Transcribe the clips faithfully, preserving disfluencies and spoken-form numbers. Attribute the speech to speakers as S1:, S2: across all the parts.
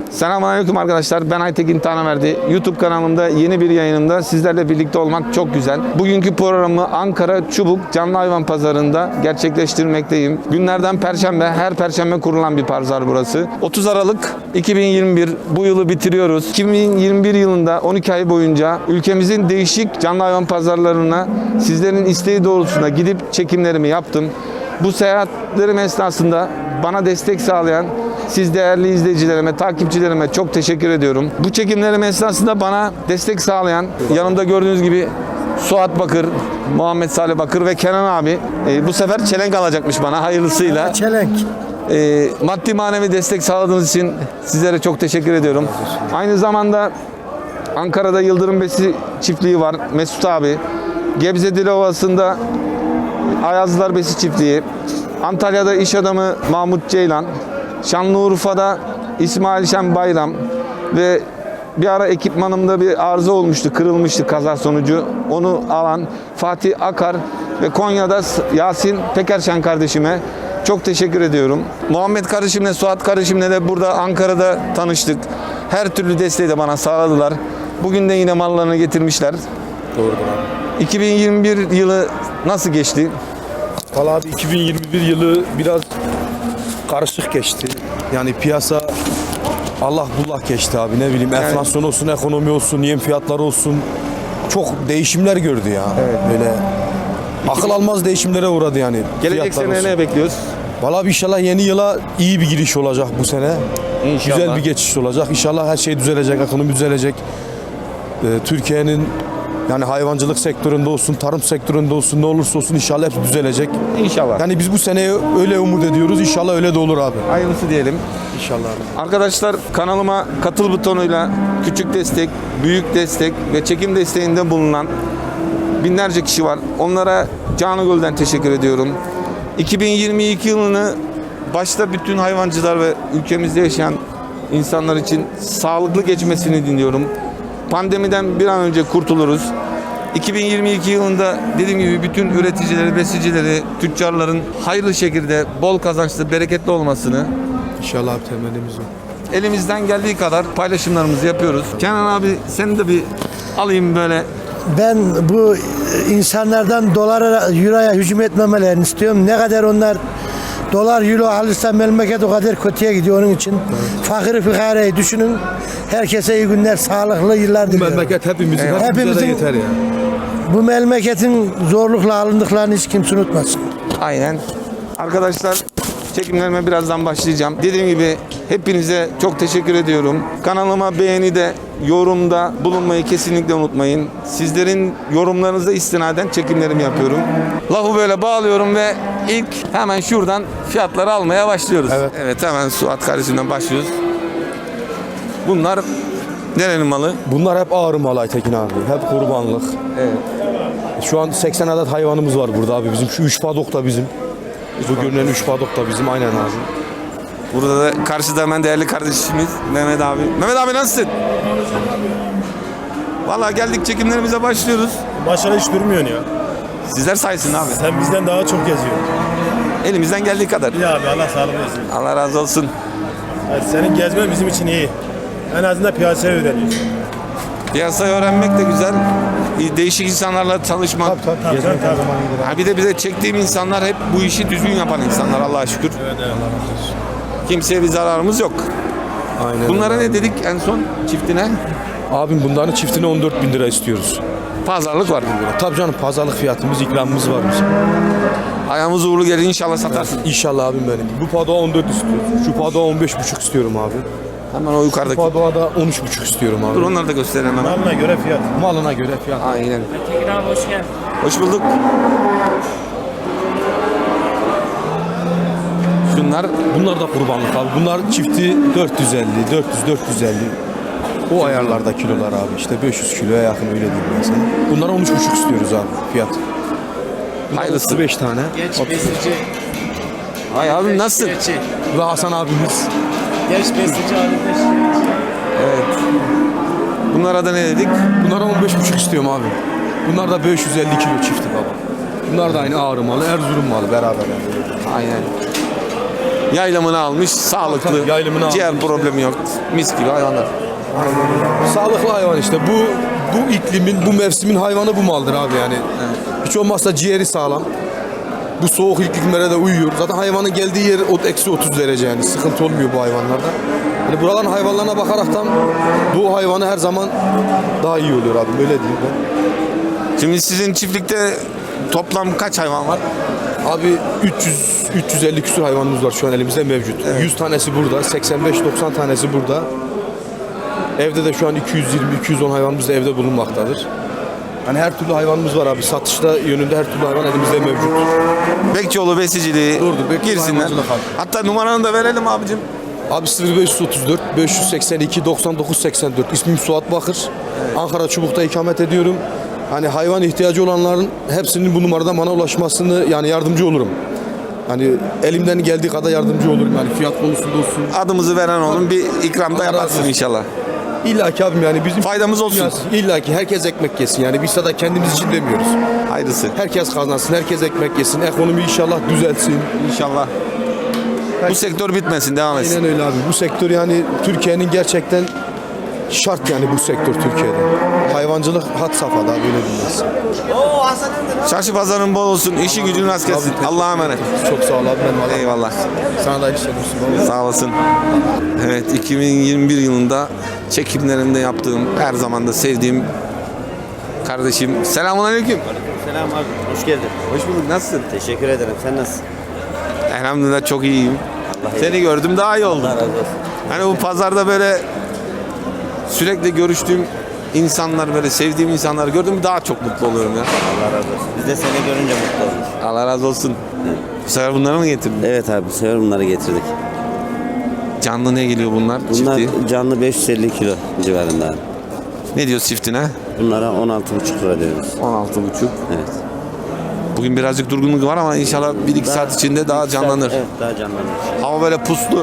S1: Selamünaleyküm arkadaşlar. Ben Aytekin Tanaverdi. YouTube kanalımda yeni bir yayınımda sizlerle birlikte olmak çok güzel. Bugünkü programı Ankara Çubuk Canlı Hayvan Pazarı'nda gerçekleştirmekteyim. Günlerden Perşembe, her Perşembe kurulan bir pazar burası. otuz Aralık iki bin yirmi bir bu yılı bitiriyoruz. iki bin yirmi bir yılında on iki ay boyunca ülkemizin değişik canlı hayvan pazarlarına sizlerin isteği doğrultusunda gidip çekimlerimi yaptım. Bu seyahatlerim esnasında bana destek sağlayan siz değerli izleyicilerime, takipçilerime çok teşekkür ediyorum. Bu çekimlerim esnasında bana destek sağlayan, yanımda gördüğünüz gibi Suat Bakır, Muhammed Salih Bakır ve Kenan abi e, bu sefer çelenk alacakmış bana hayırlısıyla.
S2: Çelenk.
S1: E, maddi manevi destek sağladığınız için sizlere çok teşekkür ediyorum. Aynı zamanda Ankara'da Yıldırım Besi çiftliği var, Mesut abi. Gebze Dilovası'nda Ayazlılar Besi çiftliği. Antalya'da iş adamı Mahmut Ceylan. Şanlıurfa'da İsmail Şen Bayram ve bir ara ekipmanımda bir arıza olmuştu, kırılmıştı kaza sonucu. Onu alan Fatih Akar ve Konya'da Yasin Pekerşen kardeşime çok teşekkür ediyorum. Muhammed kardeşimle, Suat kardeşimle de burada Ankara'da tanıştık. Her türlü desteği de bana sağladılar. Bugün de yine mallarını getirmişler.
S3: Doğrudur abi.
S1: iki bin yirmi bir yılı nasıl geçti?
S3: Valla abi iki bin yirmi bir yılı biraz karışık geçti. Yani piyasa Allah bullah geçti abi, ne bileyim
S1: Yani-
S3: enflasyon olsun, ekonomi olsun, yem fiyatları olsun. Çok değişimler gördü ya.
S1: Evet.
S3: Böyle akıl almaz değişimlere uğradı yani.
S1: Gelecek
S3: fiyatlar
S1: sene
S3: olsun.
S1: ne bekliyoruz?
S3: Valla inşallah yeni yıla iyi bir giriş olacak bu sene.
S1: İnşallah.
S3: Güzel bir geçiş olacak. İnşallah her şey düzelecek, ekonomi düzelecek. Ee, Türkiye'nin yani hayvancılık sektöründe olsun, tarım sektöründe olsun, ne olursa olsun inşallah hepsi düzelecek.
S1: İnşallah.
S3: Yani biz bu seneye öyle umut ediyoruz. İnşallah öyle de olur abi.
S1: Hayırlısı diyelim.
S3: İnşallah abi.
S1: Arkadaşlar kanalıma katıl butonuyla küçük destek, büyük destek ve çekim desteğinde bulunan binlerce kişi var. Onlara canı gölden teşekkür ediyorum. iki bin yirmi iki yılını başta bütün hayvancılar ve ülkemizde yaşayan insanlar için sağlıklı geçmesini diliyorum. Pandemiden bir an önce kurtuluruz. iki bin yirmi iki yılında dediğim gibi bütün üreticileri, besicileri, tüccarların hayırlı şekilde bol kazançlı, bereketli olmasını
S3: İnşallah abi, temennimiz o.
S1: elimizden geldiği kadar paylaşımlarımızı yapıyoruz. Kenan abi seni de bir alayım böyle.
S2: Ben bu insanlardan dolara, euroya hücum etmemelerini istiyorum. Ne kadar onlar dolar, euro alırsa memleket o kadar kötüye gidiyor onun için. Fakiri fıkarayı düşünün. Herkese iyi günler, sağlıklı yıllar
S3: Bu
S2: diliyorum.
S3: memleket hepimizin,
S1: Eyvallah.
S3: hepimize de
S2: Hepimizin-
S3: yeter ya.
S2: Bu memleketin zorlukla alındıklarını hiç kimse unutmasın.
S1: Aynen. Arkadaşlar çekimlerime birazdan başlayacağım. Dediğim gibi hepinize çok teşekkür ediyorum. Kanalıma beğenide, yorumda bulunmayı kesinlikle unutmayın. Sizlerin yorumlarınıza istinaden çekimlerimi yapıyorum. Lafı böyle bağlıyorum ve ilk hemen şuradan fiyatları almaya başlıyoruz.
S3: Evet.
S1: Evet, hemen Suat kardeşimden başlıyoruz. Bunlar nerenin malı?
S3: Bunlar hep ağır mal Aytekin abi. Hep kurbanlık.
S1: Evet.
S3: Şu an seksen adet hayvanımız var burada abi. Bizim şu üç padok da bizim. Bu görünen üç padok da bizim, aynen abi.
S1: Burada da karşıda hemen değerli kardeşimiz Mehmet abi. Mehmet abi nasılsın? Vallahi geldik, çekimlerimize başlıyoruz.
S4: Başarı hiç durmuyorsun ya.
S1: Sizler sayesinde abi.
S4: Sen bizden daha çok geziyorsun.
S1: Elimizden geldiği kadar.
S4: İyi abi, Allah sağlık versin.
S1: Allah razı olsun.
S4: Yani senin gezmen bizim için iyi. En azından piyasaya öğreniyorsun.
S1: Piyasayı öğrenmek de güzel. Değişik insanlarla çalışmak.
S4: Tabii tabii. tabii.
S1: Ha bir de bize çektiğim insanlar hep bu işi düzgün yapan insanlar, Allah'a şükür.
S4: Evet, evet.
S1: Kimseye bir zararımız yok.
S3: Aynen.
S1: Bunlara
S3: öyle.
S1: ne dedik en son çiftine?
S3: Abim bunların çiftine on dört bin lira istiyoruz.
S1: Pazarlık var.
S3: Tabii canım, pazarlık fiyatımız, ikramımız var bizim.
S1: Ayağımız uğurlu gelir, inşallah satarsın.
S3: İnşallah abim benim. Bu padoğa on dört istiyoruz. Şu padoğa on beş buçuk istiyorum abi.
S1: Hemen o
S3: Bu
S1: yukarıdaki.
S3: padoğa da on üç buçuk istiyorum abi.
S1: Dur onları da gösterelim hemen.
S4: Malına göre fiyat.
S3: Malına göre fiyat.
S1: Aynen.
S5: Tekin abi hoş geldin.
S1: Hoş bulduk. Şunlar
S3: Bunlar da kurbanlık abi. Bunlar çifti dört yüz elli, dört yüz, dört yüz elli. O ayarlarda kilolar abi. İşte beş yüz kiloya yakın, öyle diyeyim ben sana. Bunlara on üç buçuk istiyoruz abi fiyat.
S1: hayırlısı.
S3: otuz beş tane.
S5: Genç besici.
S1: Ay abi nasılsın?
S5: Şikayetçi.
S3: Ve Hasan abimiz.
S5: Genç besici halinde şikayetçi.
S1: Evet. Bunlara da ne dedik?
S3: Bunlara on beş buçuk istiyorum abi. Bunlar da beş yüz elli kilo çifti baba. Bunlar da aynı ağrı malı, Erzurum malı beraber yani.
S1: Aynen. Yaylamını almış, sağlıklı,
S3: Tabii, yaylamını
S1: ciğer
S3: almış,
S1: problemi yok. Mis gibi hayvanlar.
S3: Sağlıklı hayvan işte. Bu bu iklimin, bu mevsimin hayvanı bu maldır abi yani. Hiç olmazsa ciğeri sağlam. Bu soğuk iklimlere de uyuyor. Zaten hayvanın geldiği yer o eksi otuz derece yani. Sıkıntı olmuyor bu hayvanlarda. Yani buraların hayvanlarına bakaraktan bu hayvanı her zaman daha iyi oluyor abi. Öyle diyeyim ben.
S1: Şimdi sizin çiftlikte toplam kaç hayvan var?
S3: Abi üç yüz üç yüz elli küsur hayvanımız var şu an elimizde mevcut. yüz tanesi burada, seksen beş doksan tanesi burada. Evde de şu an iki yüz yirmi iki yüz on hayvanımız da evde bulunmaktadır. Hani her türlü hayvanımız var abi. Satışta yönünde her türlü hayvan elimizde mevcut.
S1: Bekçioğlu besiciliği
S3: Doğrudur, Bekçioğlu
S1: girsinler.
S3: hayvancılık abi.
S1: Hatta numaranı da verelim abicim.
S3: Abi sıfır beş otuz dört beş seksen iki doksan dokuz seksen dört. İsmim Suat Bakır. Ankara Çubuk'ta ikamet ediyorum. Hani hayvan ihtiyacı olanların hepsinin bu numaradan bana ulaşmasını yani yardımcı olurum. Hani elimden geldiği kadar yardımcı olurum yani fiyat konusunda olsun.
S1: Adımızı veren olun, bir ikramda
S3: Allah razı
S1: yaparsın
S3: olsun.
S1: inşallah.
S3: İlla ki abim yani bizim
S1: Faydamız olsun.
S3: İlla ki herkes ekmek yesin yani biz sadece kendimiz için demiyoruz.
S1: Hayırlısı.
S3: Herkes kazansın, herkes ekmek yesin, ekonomi inşallah düzelsin.
S1: İnşallah. Bu sektör bitmesin, devam etsin.
S3: Aynen öyle abi. Bu sektör yani Türkiye'nin gerçekten şart yani bu sektör Türkiye'de. Hayvancılık had safhada böyle bilmez.
S1: Çarşı pazarın bol olsun, işi gücün rast gelsin. Allah'a emanet.
S3: Çok sağ ol abi. Ben vallahi-
S1: Eyvallah.
S3: Sana da işler olsun baba.
S1: Sağ olasın. Evet, iki bin yirmi bir yılında çekimlerinde yaptığım, her zaman da sevdiğim kardeşim. Selamun aleyküm.
S6: Selam abi, hoş geldin.
S1: Hoş bulduk, nasılsın?
S6: Teşekkür ederim, sen nasılsın?
S1: Elhamdülillah çok iyiyim.
S6: Allah
S1: Seni gördüm, daha iyi oldum.
S6: Allah razı olsun.
S1: Hani bu pazarda böyle sürekli görüştüğüm insanlar, böyle sevdiğim insanları gördüm, daha çok mutlu oluyorum ya.
S6: Allah razı olsun. Biz de seni görünce mutlu olduk.
S1: Allah razı olsun. Bu sefer bunları mı getirdin?
S6: Evet abi, bu sefer bunları getirdik.
S1: Canlı ne geliyor bunlar?
S6: Bunlar
S1: Çifti.
S6: canlı beş yüz elli kilo civarında abi.
S1: Ne diyor çiftine?
S6: Bunlara on altı buçuk lira diyoruz.
S1: on altı buçuk.
S6: Evet.
S1: Bugün birazcık durgunluk var ama inşallah bir iki saat içinde daha
S6: iki saat-
S1: canlanır.
S6: Evet, daha canlanır.
S1: Hava böyle puslu.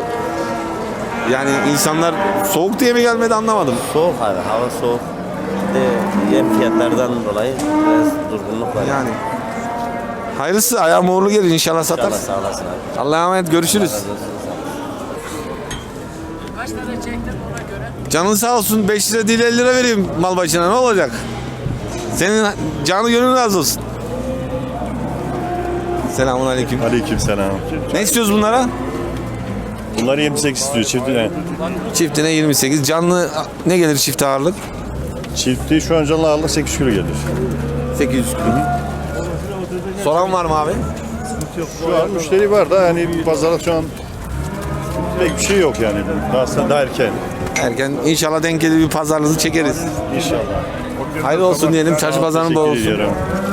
S1: Yani insanlar soğuk diye mi gelmedi anlamadım.
S6: Soğuk abi, hava soğuk. Bir de yem fiyatlardan dolayı biraz durgunluk var.
S1: Yani. Hayırlısı, ayağım uğurlu gelir inşallah
S6: İnşallah
S1: satarsın.
S6: sağ olasın abi.
S1: Allah'a emanet, görüşürüz.
S6: Razı olsun.
S1: Canın sağ olsun, beş lira değil elli lira vereyim mal başına, ne olacak? Senin canı gönlün razı olsun. Selamun aleyküm.
S7: Aleykümselam.
S1: Ne istiyoruz bunlara?
S7: Bunlar yirmi sekiz istiyor çiftine.
S1: Çiftine yirmi sekiz. Canlı ne gelir çift ağırlık?
S7: Çifti şu an canlı ağırlık sekiz kilo gelir.
S1: sekiz yüz kilo. Soran var mı abi?
S7: Şu an müşteri var da hani pazarda şu an pek bir şey yok yani. Daha, daha erken.
S1: Erken inşallah denk gelir, bir pazarlığını çekeriz.
S7: İnşallah.
S1: Hayırlı olsun diyelim, çarşı pazarın bol
S7: Teşekkür
S1: olsun.
S7: ediyorum.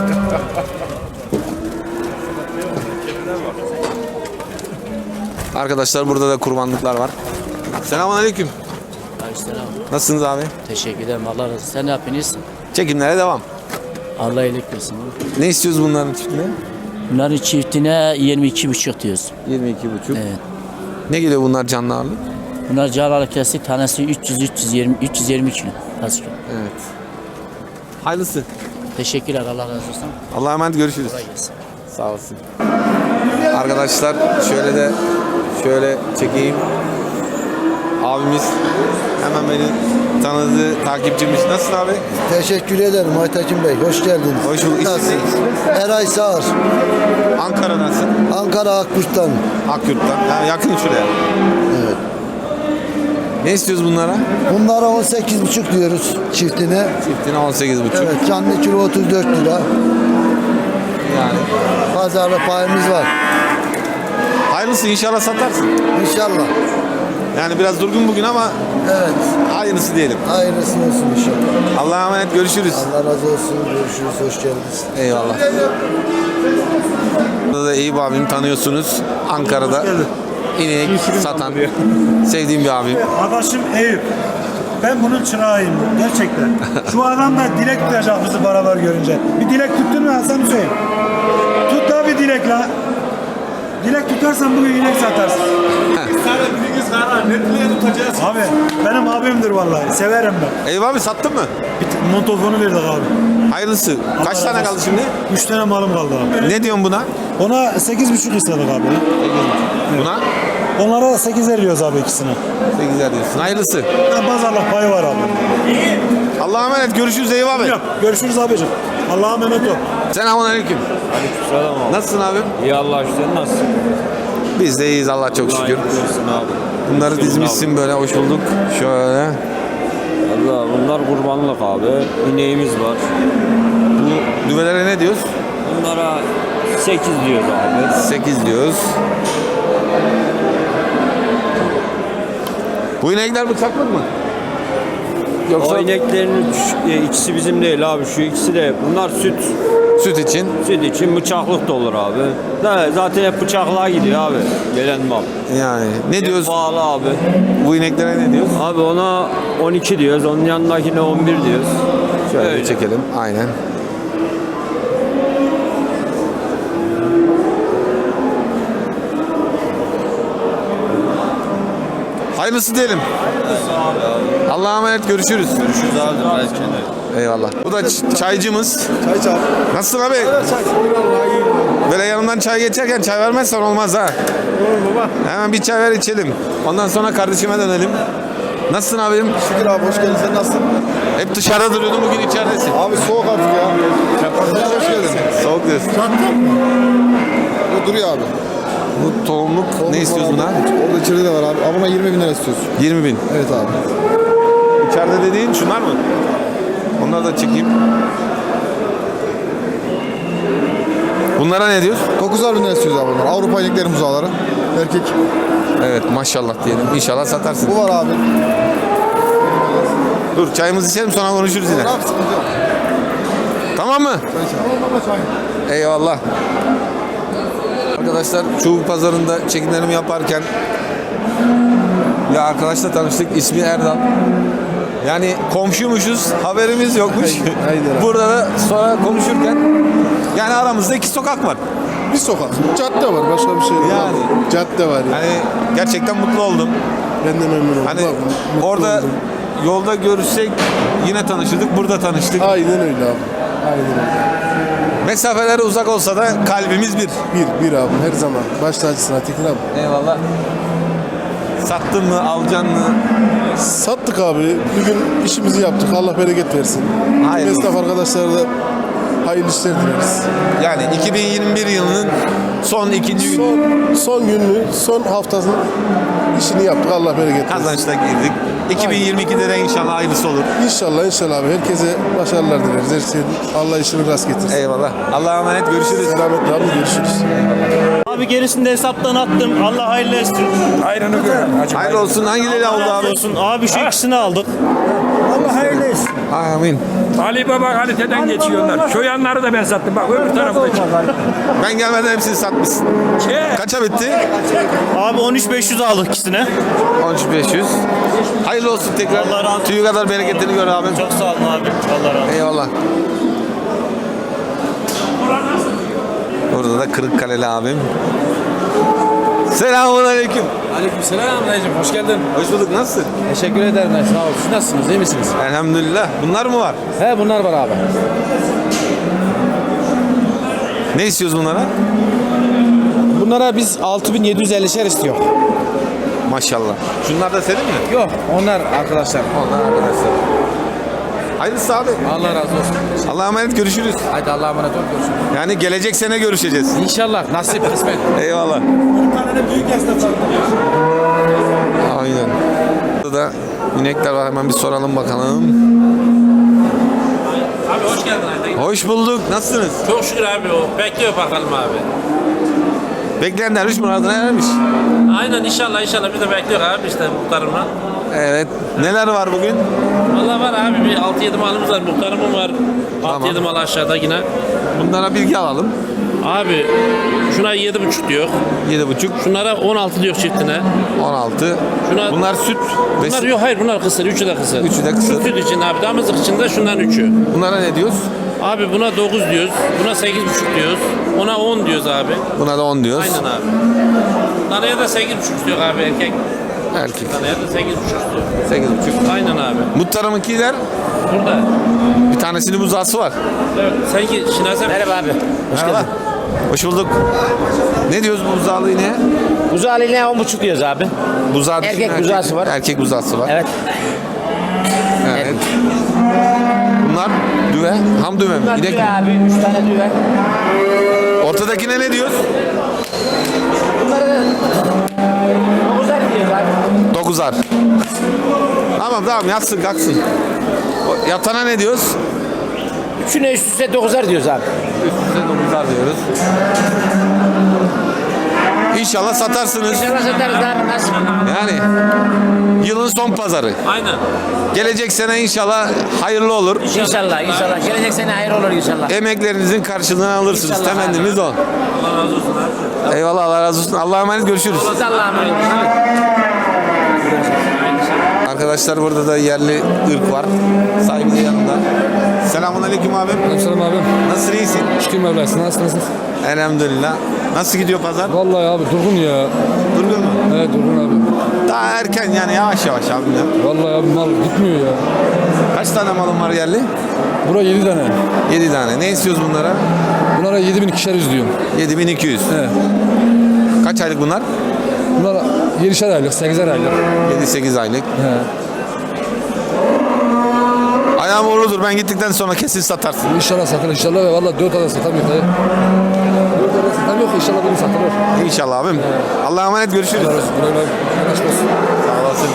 S1: Arkadaşlar burada da kurbanlıklar var. Selamun aleyküm.
S8: Aleykümselam.
S1: Nasılsınız abi?
S8: Teşekkür ederim. Allah razı olsun. Sen ne yapıyorsun?
S1: Çekimlere devam.
S8: Allah iyilik versin.
S1: Ne istiyoruz bunların çiftine?
S8: Bunların çiftine yirmi iki buçuk diyoruz.
S1: yirmi iki buçuk.
S8: Evet.
S1: Ne geliyor bunlar canlı ağırlık?
S8: Bunlar canavar kesik tanesi üç yüz üç yüz yirmi üç yüz yirmi kilo. Kaç kilo?
S1: Evet. Hayırlısı.
S8: Teşekkürler. Allah razı olsun.
S1: Allah'a emanet, görüşürüz.
S8: Kolay gelsin.
S1: Sağ olasın. Arkadaşlar şöyle de şöyle çekeyim. Abimiz hemen beni tanıdı, takipçimiz. Nasılsın abi?
S2: Teşekkür ederim Aytekin Bey. Hoş geldiniz.
S1: Hoş bulduk.
S2: Nasılsınız? Eray Sağır.
S1: Ankara'dasın.
S2: Ankara Akburt'tan.
S1: Akyurt'tan. Ha, yakın şuraya.
S2: Evet.
S1: Ne istiyoruz bunlara?
S2: Bunlara on sekiz buçuk diyoruz çiftine.
S1: Çiftine on sekiz buçuk.
S2: Evet, canlı kilo otuz dört lira.
S1: Yani.
S2: Pazarda payımız var.
S1: Hayırlısı, inşallah satarsın.
S2: İnşallah.
S1: Yani biraz durgun bugün ama
S2: Evet.
S1: hayırlısı diyelim.
S2: Hayırlısı olsun inşallah.
S1: Allah'a emanet, görüşürüz.
S2: Allah razı olsun. Görüşürüz. Hoş geldiniz.
S1: Eyvallah. Burada da Eyüp abim, tanıyorsunuz. Ankara'da inek satan sevdiğim bir abim.
S9: Adaşım Eyüp. Ben bunun çırağıyım gerçekten. Şu adam da dilek tutacak bizi beraber görünce. Bir dilek tuttun mu Hasan Hüseyin? Tut da bir dilek la. Dilek tutarsan bugün inek satarsın. Abi benim abimdir vallahi. Severim ben.
S1: Eyüp abi, sattın mı?
S9: Bir t- montofonu verdik abi.
S1: Hayırlısı. Kaç
S9: Allah
S1: tane
S9: razı
S1: kaldı
S9: olsun.
S1: şimdi?
S9: Üç tane malım kaldı abi.
S1: Ne diyorsun buna?
S9: Ona sekiz buçuk istedik abi.
S1: Buna?
S9: Onlara da sekizer diyoruz abi ikisine.
S1: sekizer diyorsun. Hayırlısı.
S9: Ha, pazarlık payı var abi.
S1: Allah'a emanet. Görüşürüz Eyüp abi.
S9: Yok, görüşürüz abicim. Allah'a emanet ol.
S1: Selamun aleyküm.
S6: Aleykümselam abi.
S1: Nasılsın abim?
S6: İyi Allah sen nasılsın?
S1: Biz de iyiyiz Allah çok şükür.
S6: abi.
S1: Bunları dizmişsin böyle, hoş bulduk. Şöyle.
S6: Allah bunlar kurbanlık abi. İneğimiz var.
S1: Bu düvelere ne diyoruz?
S6: Bunlara sekiz diyoruz abi.
S1: sekiz diyoruz. Bu inekler bıçaklık mı? Yoksa
S6: O ineklerin üç, e, ikisi bizim değil abi. Şu ikisi de bunlar süt.
S1: süt için?
S6: Süt için bıçaklık da olur abi. Da, zaten hep bıçaklığa gidiyor abi. Gelen mal.
S1: Yani ne
S6: Hep
S1: diyoruz?
S6: pahalı abi.
S1: Bu ineklere ne diyoruz?
S6: Abi ona on iki diyoruz. Onun yanındakine on bir diyoruz.
S1: Şöyle
S6: Öyle.
S1: çekelim. Aynen. Hayırlısı diyelim. Allah'a emanet, görüşürüz.
S6: Görüşürüz abi.
S1: Eyvallah. Bu da ç- çaycımız.
S3: Çay çay.
S1: Nasılsın abi? Böyle yanımdan çay geçerken çay vermezsen olmaz ha. Hemen bir çay ver içelim. Ondan sonra kardeşime dönelim. Nasılsın abim?
S3: Şükür abi hoş geldin. Sen nasılsın?
S1: Hep dışarıda duruyordun, bugün içeridesin.
S3: Abi soğuk artık ya. Hoş geldin.
S1: Soğuk diyorsun.
S3: Bu duruyor abi.
S1: Bu tohumluk ne istiyorsun buna?
S3: Orada içeride de var abi. Ama yirmi bin lira istiyorsun.
S1: yirmi bin.
S3: Evet abi.
S1: İçeride dediğin şunlar mı? Onları da çekeyim. Bunlara ne diyoruz?
S3: dokuzar bin lira istiyoruz abi bunlar. Avrupa inekleri muzağları. Erkek.
S1: Evet, maşallah diyelim. İnşallah satarsın.
S3: Bu var abi.
S1: Dur, çayımızı içelim, sonra konuşuruz yine.
S3: Ne yapsın?
S1: Tamam mı? Eyvallah. Arkadaşlar, Çubuk Pazarı'nda çekimlerimi yaparken bir arkadaşla tanıştık. İsmi Erdal. Yani komşuymuşuz, haberimiz yokmuş.
S3: Aynen.
S1: Burada da sonra konuşurken yani aramızda iki sokak var.
S3: Bir sokak. Cadde var. Başka bir şey yok.
S1: Yani.
S3: Cadde var ya.
S1: Hani gerçekten mutlu oldum.
S3: Ben de memnun oldum.
S1: Hani
S3: Bak, mutlu
S1: orada
S3: oldum.
S1: yolda görüşsek yine tanışırdık, burada tanıştık.
S3: Aynen öyle abi. Aynen öyle.
S1: Mesafeler uzak olsa da kalbimiz bir.
S3: Bir, bir abi her zaman. Baş tacısına Tekin abi.
S1: Eyvallah. Sattın mı, alacaksın mı?
S3: Sattık abi. Bugün işimizi yaptık. Allah bereket versin.
S1: Hayırlı
S3: Esnaf arkadaşlara da hayırlı işler dileriz.
S1: Yani iki bin yirmi bir yılının son ikinci günü
S3: Son, son gününü, son haftasının işini yaptık. Allah bereket versin.
S1: kazançta girdik. iki bin yirmi ikide de inşallah hayırlısı olur.
S3: İnşallah inşallah abi. Herkese başarılar dileriz. Her şeyin Allah işini rast getirsin.
S1: Eyvallah. Allah'a emanet, görüşürüz.
S3: Selametle abi görüşürüz.
S5: Abi gerisini de hesaptan attım. Allah hayırlı etsin.
S4: Ayranı gör.
S1: Hayırlı olsun. Hangileri aldı abi?
S5: Olsun. Abi şu ikisini aldık.
S9: Allah hayırlı etsin.
S1: Amin.
S4: Ali Baba kaliteden geçiyorlar. Şu yanları da ben sattım. Bak öbür tarafı da
S1: Ben gelmeden hepsini satmışsın. Kaça bitti?
S5: Abi on üç beş yüz aldık ikisine.
S1: on üç beş yüz. Hayırlı olsun tekrar.
S5: Allah razı olsun.
S1: Tüyü kadar bereketini gör abim.
S5: Çok sağ olun abi. Allah razı olsun.
S1: Eyvallah. Burada da Kırıkkaleli abim. Selamun aleyküm.
S10: Aleykümselam dayıcım, hoş geldin.
S1: Hoş bulduk. Nasılsın?
S10: Teşekkür ederim. Sağ ol. Siz nasılsınız? İyi misiniz?
S1: Elhamdülillah. Bunlar mı var?
S10: He bunlar var abi.
S1: Ne istiyoruz bunlara?
S10: Bunlara biz altı bin yedi yüz ellişer istiyor.
S1: Maşallah. Şunlar da senin mi?
S10: Yok, onlar arkadaşlar.
S1: Onlar arkadaşlar. Hayırlısı abi.
S10: Allah razı olsun.
S1: Allah'a emanet, görüşürüz.
S10: Hadi Allah'a emanet ol. Görüşürüz.
S1: Yani gelecek sene görüşeceğiz.
S10: İnşallah. Nasip, kısmet.
S1: Eyvallah.
S9: Bir tane de büyük esnaf var.
S1: Aynen. Burada da inekler var. Hemen bir soralım bakalım.
S11: Abi hoş geldin Ayten.
S1: Hoş bulduk. Nasılsınız?
S11: Çok şükür abi o. Bekliyor bakalım abi.
S1: Bekleyen derviş muradına ermiş.
S11: Aynen inşallah inşallah biz de bekliyor abi işte muhtarımla.
S1: Evet. Neler var bugün?
S11: Valla var abi bir altı yedi malımız var. Muhtarımın var. altı yedi mal aşağıda yine.
S1: Bunlara bilgi alalım.
S11: Abi şuna yedi buçuk diyor.
S1: yedi buçuk.
S11: Şunlara on altı diyor çiftine.
S1: on altı.
S11: Şuna-
S1: Bunlar süt. ve
S11: Bunlar
S1: süt.
S11: yok hayır bunlar kısır. Üçü de kısır.
S1: Üçü de kısır.
S11: Şu süt için abi damızlık için de şundan üçü.
S1: Bunlara ne diyoruz?
S11: Abi buna dokuz diyoruz. Buna sekiz buçuk diyoruz. Ona on diyoruz abi.
S1: Buna da on diyoruz.
S11: Aynen abi. Danaya da sekiz buçuk diyor abi erkek.
S1: Erkek.
S11: Danaya da sekiz buçuk diyor.
S1: sekiz buçuk.
S11: Aynen abi.
S1: Muhtarımınkiler
S11: Burada.
S1: bir tanesinin buzağısı var.
S11: Evet. Sanki Şinasi.
S5: Merhaba abi.
S1: Hoş geldin. Hoş bulduk. Ne diyoruz bu buzağlı ineğe?
S8: Buzağlı ineğe on buçuk diyoruz abi.
S1: Buzağı
S8: Erkek
S1: düşün,
S8: buzağısı var.
S1: Erkek buzağısı var.
S8: Evet.
S1: Evet. Bunlar düve. Ham düve mi?
S8: Bunlar
S1: İnek
S8: düve
S1: mi?
S8: abi. Üç tane düve.
S1: Ortadakine ne diyoruz?
S8: Bunları da dokuzar diyoruz abi.
S1: Dokuzar. Tamam tamam yatsın kalksın. O yatana ne diyoruz?
S8: Üçüne üst üste dokuzar diyoruz abi.
S1: Üst üste dokuzar diyoruz. İnşallah satarsınız.
S8: İnşallah satarız abi. Nasıl?
S1: Yani yılın son pazarı.
S11: Aynen.
S1: Gelecek sene inşallah hayırlı olur.
S8: İnşallah, inşallah. Gelecek sene hayır olur inşallah.
S1: Emeklerinizin karşılığını alırsınız.
S8: İnşallah
S1: Temennimiz o.
S11: Allah razı olsun abi.
S1: Eyvallah Allah razı olsun. Allah'a emanet görüşürüz.
S8: Allah'a emanet olun.
S1: Arkadaşlar burada da yerli ırk var. Sahibi de yanında. Selamun aleyküm abim.
S10: Selam abim.
S1: Nasılsın iyisin?
S10: Şükür Mevlasına. Nasılsınız?
S1: Elhamdülillah. Nasıl gidiyor pazar?
S10: Vallahi abi durgun ya.
S1: Durgun mu?
S10: Evet durgun abi.
S1: Daha erken yani yavaş yavaş abim ya.
S10: Vallahi abi mal gitmiyor ya.
S1: Kaç tane malın var yerli?
S10: Bura yedi tane.
S1: yedi tane. Ne istiyoruz bunlara?
S10: Bunlara yedi bin ikişer yüz diyorum.
S1: yedi bin iki yüz.
S10: Evet.
S1: Kaç aylık bunlar?
S10: Bunlar yedişer aylık, sekizer aylık.
S1: yedi sekiz aylık.
S10: He.
S1: Ayağım uğurludur. Ben gittikten sonra kesin satarsın.
S10: İnşallah satılır inşallah ve valla dört tane satamıyor dayı. Dört tane satamıyor ki inşallah bunu satılır.
S1: İnşallah abim. Allah'a emanet görüşürüz.
S10: Güle güle. Anlaşılır.
S1: Sağ olasın.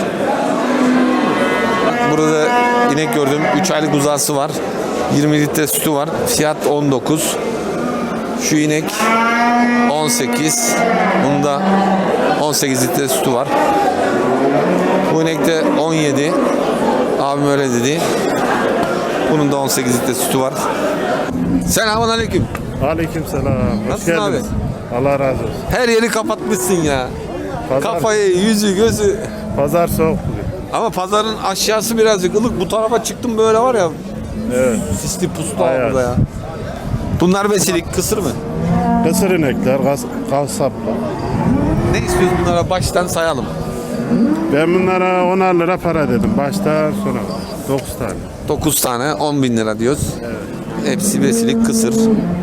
S1: Bak burada inek gördüm. üç aylık buzağısı var. yirmi litre sütü var. Fiyat on dokuz. Şu inek on sekiz. Bunda on sekiz litre sütü var. Bu inekte on yedi. Abim öyle dedi. Bunun da on sekiz litre sütü var. Selamun aleyküm.
S7: Aleyküm selam. Hoş
S1: Nasılsın abi?
S7: geldiniz. Allah razı olsun.
S1: Her yeri kapatmışsın ya.
S7: Pazar,
S1: Kafayı, yüzü, gözü.
S7: pazar soğuk bugün.
S1: Ama pazarın aşağısı birazcık ılık. Bu tarafa çıktım böyle var ya.
S7: Evet.
S1: Sisli puslu
S7: Ayaz.
S1: burada ya. Bunlar besilik kısır mı?
S7: Kısır inekler, kas, kasaplar.
S1: Ne istiyoruz bunlara baştan sayalım.
S7: Ben bunlara onar lira para dedim. Baştan sona. dokuz tane.
S1: dokuz tane on bin lira diyoruz. Hepsi besilik kısır.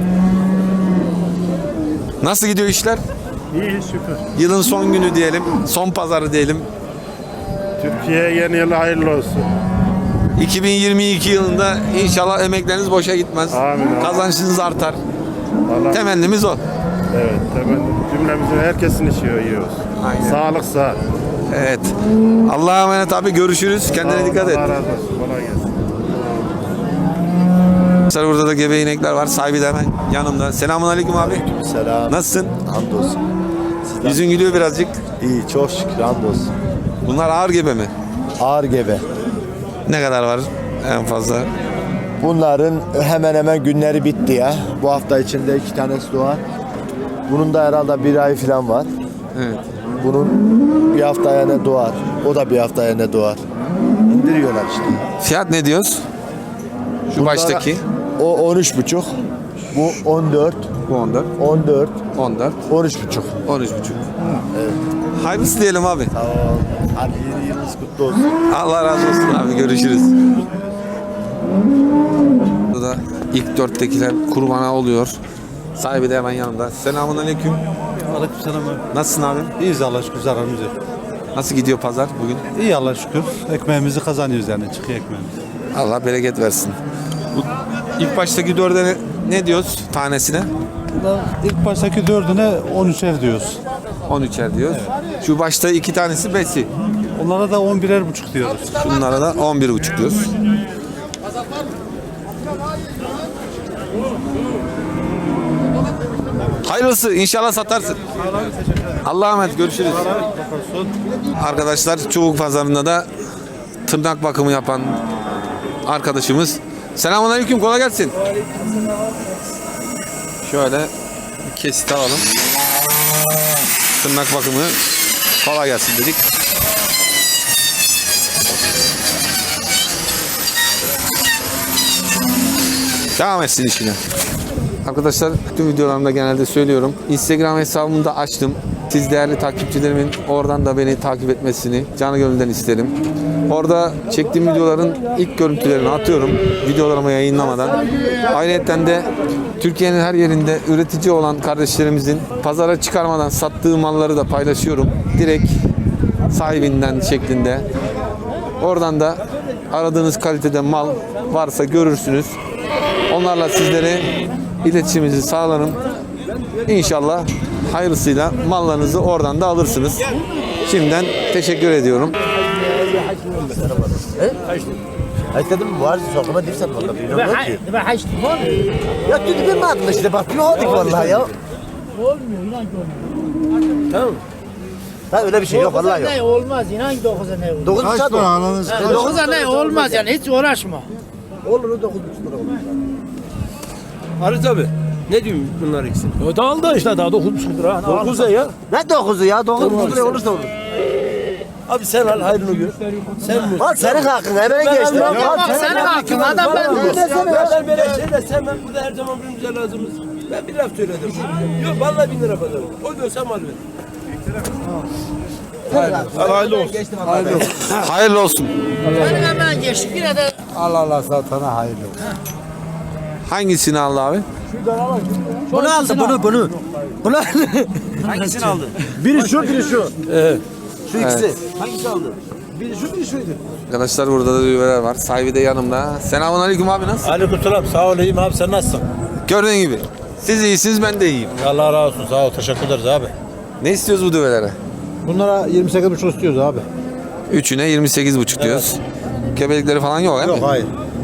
S1: Nasıl gidiyor işler?
S7: İyi şükür.
S1: Yılın son günü diyelim. Son pazarı diyelim.
S7: Türkiye yeni yıl hayırlı olsun.
S1: iki bin yirmi iki yılında inşallah emekleriniz boşa gitmez.
S7: Amin.
S1: Kazançınız artar.
S7: Allah,
S1: Temennimiz o.
S7: evet, temenni. Cümlemizin herkesin işi iyi olsun.
S1: Aynen.
S7: Sağlık sağ.
S1: Evet. Allah'a emanet abi görüşürüz. Kendine dikkat et.
S7: Allah razı olsun. Kolay gelsin.
S1: Arkadaşlar burada da gebe inekler var. Sahibi de hemen yanımda. Selamun aleyküm abi.
S12: Selam.
S1: Nasılsın?
S12: Hamdolsun.
S1: Yüzün gülüyor birazcık.
S12: İyi, çok şükür hamdolsun.
S1: Bunlar ağır gebe mi?
S12: Ağır gebe.
S1: Ne kadar var en fazla?
S12: Bunların hemen hemen günleri bitti ya. Bu hafta içinde iki tanesi doğar. Bunun da herhalde bir ay falan var.
S1: Evet.
S12: Bunun bir haftaya ne doğar. O da bir haftaya ne doğar. İndiriyorlar işte.
S1: Fiyat ne diyoruz? Şu
S12: Bunlara-
S1: baştaki.
S12: O on üç buçuk. Bu on dört.
S1: Bu on dört.
S12: on dört.
S1: on dört.
S12: on üç buçuk.
S1: on üç buçuk. Hayırlısı diyelim abi.
S12: Sağ ol. Hadi yeni yılınız kutlu olsun.
S1: Allah razı olsun abi. Görüşürüz. Burada ilk dörttekiler kurbana oluyor. Sahibi de hemen yanımda. Selamun aleyküm.
S4: Aleykümselam abi.
S1: Nasılsın abi?
S4: İyiyiz Allah'a şükür, zararımız yok.
S1: Nasıl gidiyor pazar bugün?
S4: İyi Allah'a şükür. Ekmeğimizi kazanıyoruz yani, çıkıyor ekmeğimiz.
S1: Allah bereket versin. Bu ilk baştaki dörde ne, ne diyoruz tanesine?
S4: İlk baştaki dördüne on üçer diyoruz.
S1: on üçer diyoruz. Şu başta iki tanesi besi.
S4: Onlara da on birer buçuk diyoruz.
S1: Şunlara da on bir buçuk diyoruz. Hayırlısı inşallah satarsın. Allah'a emanet görüşürüz. Arkadaşlar Çubuk Pazarı'nda da tırnak bakımı yapan arkadaşımız. Selamünaleyküm, kolay gelsin. Şöyle bir kesit alalım. Tırnak bakımı kolay gelsin dedik. Devam etsin işine. Arkadaşlar tüm videolarımda genelde söylüyorum. Instagram hesabımı da açtım. Siz değerli takipçilerimin oradan da beni takip etmesini canı gönülden isterim. Orada çektiğim videoların ilk görüntülerini atıyorum. Videolarımı yayınlamadan. Ayrıca de Türkiye'nin her yerinde üretici olan kardeşlerimizin pazara çıkarmadan sattığı malları da paylaşıyorum. Direkt sahibinden şeklinde. Oradan da aradığınız kalitede mal varsa görürsünüz. Onlarla sizlere iletişimimizi sağlarım. İnşallah hayırlısıyla mallarınızı oradan da alırsınız. Şimdiden teşekkür ediyorum.
S12: Dedim var sokuma dirsen vallahi bilmiyorum ki. Ya dedi ben madem işte bak bir olduk vallahi ya.
S8: Olmuyor inan ki olmuyor.
S12: Tamam. Ha öyle bir şey yok vallahi yok.
S8: Ne olmaz inan ki dokuza ne olur.
S12: dokuz buçuk
S8: Yani dokuza ne olmaz yani hiç uğraşma.
S12: olur o dokuz buçuk lira olur.
S10: Arız abi. Ne diyorsun bunlar ikisi? O da aldı işte daha dokuz buçuk lira. dokuz ya.
S12: Ne dokuzu ya? dokuz buçuk lira olursa olur.
S10: Abi sen al hayrını gör. Sen mi?
S12: Al senin hakkın hemen geçti.
S8: Ya bak senin hakkın adam ben de.
S10: Ben böyle şeyler sen ben burada her zaman birbirimize lazımız. Ben bir laf söyledim. Yok vallahi bin lira pazarım. O diyorsam al ver.
S3: Hayırlı olsun.
S1: Hayırlı olsun.
S8: Benim hemen geçtik yine de.
S12: Allah Allah satana hayırlı olsun.
S1: Hangisini aldı abi?
S12: Bunu aldı bunu bunu. Bunu
S5: Hangisini aldı?
S12: biri şu biri şu.
S10: Evet.
S12: Şu ikisi.
S1: Evet.
S12: Hangisi aldı? Biri şu biri şuydu.
S1: Arkadaşlar burada da düğmeler var. Sahibi de yanımda. Selamun aleyküm abi, nasılsın?
S5: Aleykümselam. Sağ ol iyiyim abi sen nasılsın?
S1: Gördüğün gibi. Siz iyisiniz, ben de iyiyim.
S5: Allah razı olsun sağ ol teşekkür ederiz abi.
S1: Ne istiyoruz bu düvelere?
S12: Bunlara yirmi sekiz buçuk istiyoruz abi.
S1: Üçüne yirmi sekiz buçuk diyoruz. Gebelikleri falan yok değil mi?
S12: hayır.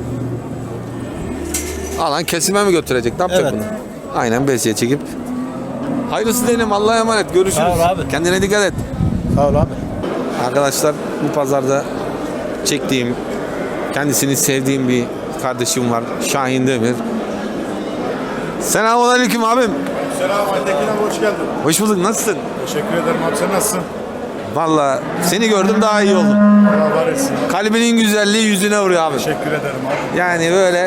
S1: Alan kesime mi götürecek? Ne yapacak
S5: Evet.
S1: bunu? Aynen besiye çekip. Hayırlısı diyelim, Allah'a emanet. Görüşürüz.
S5: Sağ ol abi.
S1: Kendine dikkat et.
S12: Sağ ol abi.
S1: Arkadaşlar bu pazarda çektiğim, kendisini sevdiğim bir kardeşim var. Şahin Demir. Selamun aleyküm abim.
S7: Selam Aytekin abi, hoş geldin.
S1: Hoş bulduk. Nasılsın?
S7: Teşekkür ederim abi, sen nasılsın?
S1: Vallahi seni gördüm daha iyi oldum.
S7: Allah var etsin.
S1: Kalbinin güzelliği yüzüne vuruyor abi.
S7: Teşekkür ederim abi.
S1: Yani böyle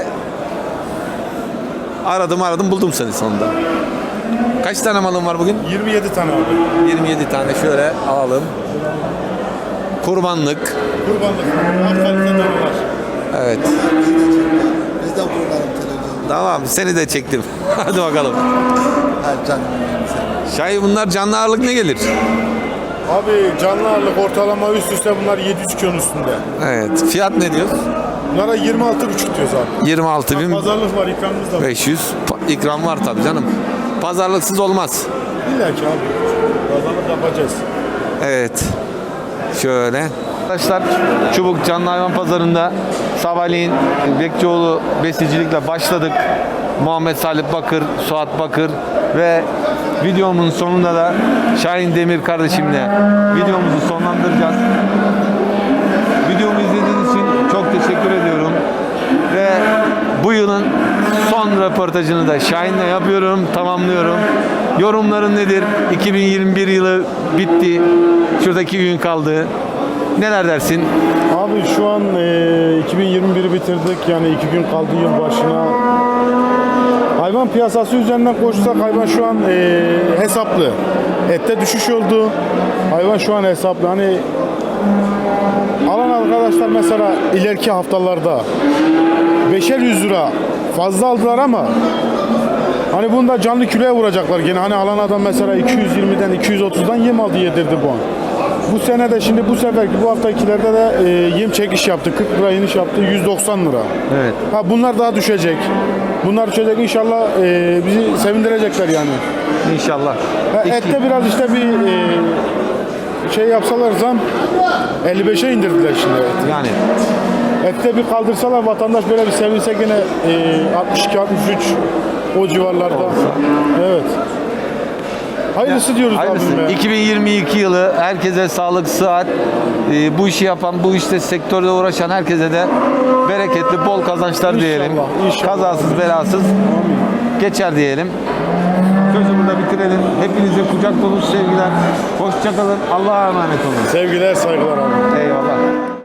S1: aradım aradım buldum seni sonunda. Kaç tane malın var bugün?
S7: yirmi yedi tane abi.
S1: yirmi yedi tane şöyle alalım. Kurbanlık.
S7: Kurbanlık. Alt kalitede var.
S1: Evet.
S12: Biz de buradan televizyon.
S1: Tamam, seni de çektim. Hadi bakalım.
S12: Ha canım.
S1: Şahin, bunlar canlı ağırlık ne gelir?
S7: Abi canlı ağırlık ortalama üst üste bunlar yedi yüz kilonun üstünde.
S1: Evet. Fiyat ne diyoruz?
S7: Bunlara yirmi altı buçuk diyoruz abi.
S1: yirmi altı bin
S7: Pazarlık var, ikramımız da var.
S1: beş yüz. Pa- ikram var tabii canım. Pazarlıksız olmaz.
S7: İlla ki abi. Pazarlık yapacağız.
S1: Evet. Şöyle. Arkadaşlar Çubuk Canlı Hayvan Pazarı'nda sabahleyin Bekçioğlu besicilikle başladık. Muhammed Salih Bakır, Suat Bakır ve videomun sonunda da Şahin Demir kardeşimle videomuzu sonlandıracağız. Videomu izlediğiniz için çok teşekkür ediyorum. Ve bu yılın son röportajını da Şahin'le yapıyorum, tamamlıyorum. Yorumların nedir? iki bin yirmi bir yılı bitti. Şuradaki gün kaldı. Neler dersin?
S7: Abi şu an e, iki bin yirmi biri bitirdik. Yani iki gün kaldı yıl başına. Hayvan piyasası üzerinden konuşsak hayvan şu an e, hesaplı. Ette düşüş oldu. Hayvan şu an hesaplı. Hani alan arkadaşlar mesela ileriki haftalarda beşer yüz lira fazla aldılar ama hani bunda canlı kiloya vuracaklar gene. Hani alan adam mesela iki yüz yirmiden iki yüz otuzdan yem aldı, yedirdi bu an. Bu sene de şimdi bu seferki bu haftakilerde de e, yem çekiş yaptı. kırk lira iniş yaptı. yüz doksan lira.
S1: Evet.
S7: Ha bunlar daha düşecek. Bunlar düşecek inşallah, e, bizi sevindirecekler yani.
S1: İnşallah.
S7: Ha, ette biraz işte bir e, şey yapsalar zam elli beşe indirdiler şimdi eti.
S1: Yani
S7: Ette bir kaldırsalar vatandaş böyle bir sevinse gene e, altmış iki altmış üç o civarlarda. Evet. Hayırlısı diyoruz
S1: hayırlısı.
S7: abim ya.
S1: iki bin yirmi iki yılı herkese sağlık, sıhhat, e, bu işi yapan, bu işte sektörde uğraşan herkese de bereketli, bol kazançlar
S7: İnşallah,
S1: diyelim.
S7: inşallah.
S1: Kazasız, belasız geçer diyelim. Sözü burada bitirelim. Hepinize kucak dolu sevgiler. Hoşça kalın. Allah'a emanet olun.
S7: Sevgiler, saygılar abi.
S1: Eyvallah.